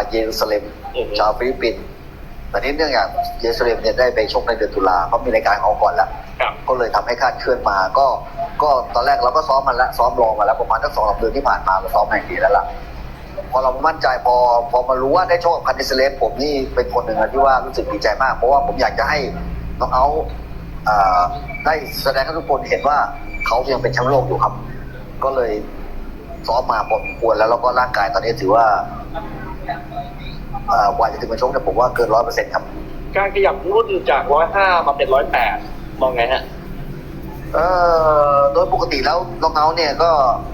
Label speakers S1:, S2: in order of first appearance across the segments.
S1: เยรูซาเล็มชาวฟิลิปปินส์แต่นี้เนื่องจากเยรูซาเล็มเนี่ยได้ไปชกในเดือนตุลาเขามีรายการเขาก่อนแล้วก็เลยทำให้คาดเคลื่อนมาก็ตอนแรกเราก็ซ้อมมันแล้วซ้อมรอมาแล้วประมาณสัก2-3 เดือนที่ผ่านมาเราซ้อมแห่งดีแล้วล่ะพอเรามั่นใจพอมารู้ว่าได้โชคกับคันดิสเลสผมนี่เป็นคนหนึ่งที่ว่ารู้สึกดีใจมากเพราะว่าผมอยากจะให้น้องเอาได้แสดงให้ทุกคนเห็นว่าเขายังเป็นแชมป์โลกอยู่ครับก็เลยซ้อมมาพอสมควรแล้วก็ร่างกายตอนนี้ถือว่ากว่าจะถึงมาชกเนี่ยผมว่าเกิน 100% ครับ
S2: การขยับรุ่นจาก105มาเป็น108มองไงฮะ
S1: โดยปกติแล้วน้องเอาเนี่ยก็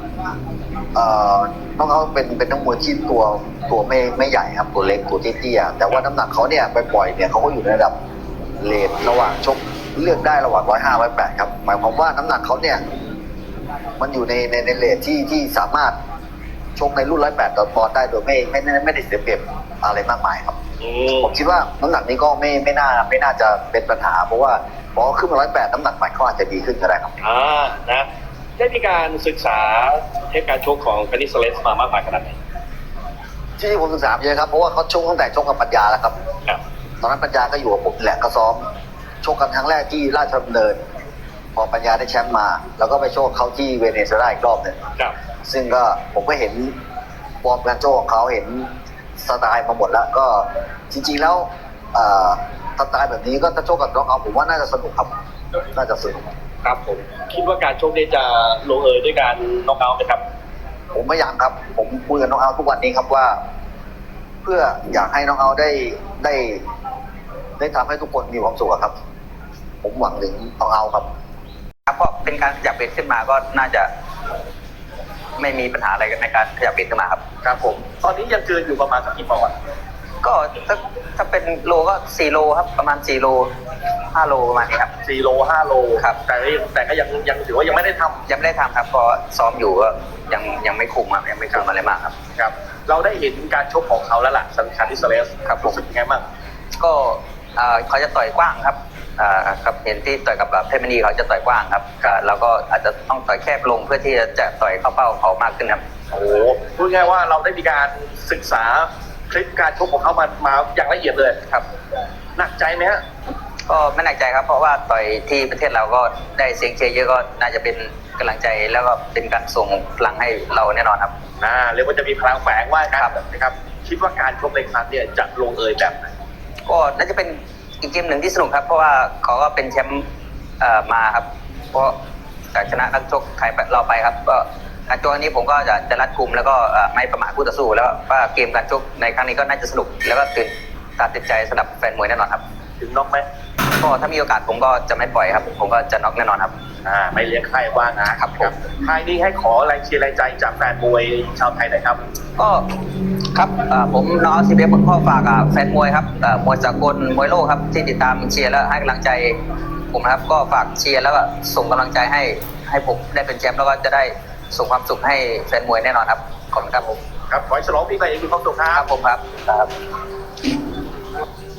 S1: น้องเขาเป็นนักมวยที่ตัวไม่ใหญ่ครับตัวเล็กตัวเตี้ยแต่ว่าน้ำหนักเขาเนี่ยไปปล่อยเนี่ยเขาก็อยู่ในระดับเลทระหว่างชกเลือกได้ระหว่าง105 108ครับหมายความว่าน้ำหนักเขาเนี่ยมันอยู่ในเลทที่สามารถชกในรุ่น108ปอนด์ได้โดยไม่ได้เสียเปรียบอะไรมากมายครับผมคิดว่าน้ำหนักนี้ก็ไม่น่าจะเป็นปัญหาเพราะว่าพอขึ้นมา108น้ำหนักใหม่เขาอาจจะดีขึ้นก็ได้ครับ
S2: นะได้มีการศึกษาเทคการชกของคานิสเลสมามากมายขนาดไหน
S1: ที่ผมศึกษาเยอะครับเพราะว่าเขาชกตั้งแต่ชกกับปัญญาแล้วครับตอนนั้นปัญญาก็อยู่กับผมแหละก็ซ้อมชกกันครั้งแรกที่ราชดำเนินพอปัญญาได้แชมป์มาแล้วก็ไปโชคเขาที่เวเนซุเอลาอีกรอบหนึ่งซึ่งก็ผมก็เห็นฟอร์มการโชคของเขาเห็นสไตล์มาหมดแล้วก็จริงๆแล้วสไตล์แบบนี้ก็ถ้าโชคกับน้องเอาผมว่าน่าจะสนุกครับน่าจะสนุก
S2: ครับผมคิดว่าการโชคนี้จะลงเอยด้วยการน็อกเอาท์ไหมครับ
S1: ผมไม่อยากครับผมคุยกับน้องเอาทุกวันนี้ครับว่าเพื่ออยากให้น้องเอาได้ทำให้ทุกคนมีความสุขครับผมหวังถึงน้องเอาครับ
S3: เพราะเป็นการขยับเวทขึ้นมาก็น่าจะไม่มีปัญหาอะไรในการขยับเวทขึ้นมาครับ
S2: ครับผมตอนนี้ยังเกินอยู่ประมาณสักกี่ปอนด์
S3: ก็ถ้าเป็นโลก็4 โลครับประมาณ4 โล 5 โลประมาณนี้ครับ
S2: 4 โล 5 โล
S3: ครับ
S2: แต่ก็ยังถือว่ายังไม่ได้ท
S3: ำครับเพราะซ้อมอยู่ก็ยังไม่คุมครับยังไม่คุมอะไรมากครับ
S2: ครับเราได้เห็นการชกของเขาแล้วล่ะสันคาดิสเลส
S3: ครับ
S2: รู้สึกยังไงบ้าง
S3: ก็เขาจะต่อยกว้างครับครับเห็นที่ต่อยกับเพชรมณีเขาจะต่อยกว้างครับเราก็อาจจะต้องต่อยแคบลงเพื่อที่จะต่อยเข้าเป้าเขามากขึ้นครับ
S2: โอ้โหพูดง่ายว่าเราได้มีการศึกษาคลิปการชกของเขามาอย่างละเอียดเลย
S3: ครับ
S2: หนักใจไหมฮะ
S3: ก็ไม่หนักใจครับเพราะว่าต่อยที่ประเทศเราก็ได้เสียงเชียร์เยอะก็น่าจะเป็นกำลังใจแล้วก็เป็นการส่งพลังให้เราแน่นอนครับ
S2: เรียกว่าจะมีพลังแฝงว่าครับนะครับคิดว่าการชกในครั้งนี้จะลงเอยแบบไหน
S3: ก็น่าจะเป็นอีกเกมหนึ่งที่สนุกครับเพราะว่าเขาก็เป็นแชมป์มาครับเพราะชนะนักชกไทยเราไปครับก็การชกนี้ผมก็จะรัดกุมแล้วก็ไม่ประมาทคู่ต่อสู้แล้วว่าเกมการชกในครั้งนี้ก็น่าจะสนุกแล้วก็ตื่นตาตื่นใจสำหรับแฟนมวยแน่นอนครับ
S2: ถึงน็อกไหม
S3: ก็ถ้ามีโอกาสผมก็จะไม่ปล่อยครับผมก็จะน็อกแน่นอนครับ
S2: ไม่เลี้ยงใครว่าง
S3: นะครับผม
S2: ท้ายนี้ให้ขอแรงเชียร์แรงใจจากแฟนมวยชาวไทยหน่อยครับ
S3: ก็ครับผมน้องCBFพ่อฝากแฟนมวยครับมวยสากลมวยโลกครับที่ติดตามเชียร์และให้กำลังใจผมนะครับก็ฝากเชียร์แล้วก็ส่งกำลังใจให้ผมได้เป็นแชมป์แล้วก็จะได้ส่งความสุขให้แฟนมวยแน่นอนครับขอบคุณครับผม
S2: ครับขอให้ฉลองปีใหม่อย่างมีความสุขครับ
S3: ผมครับ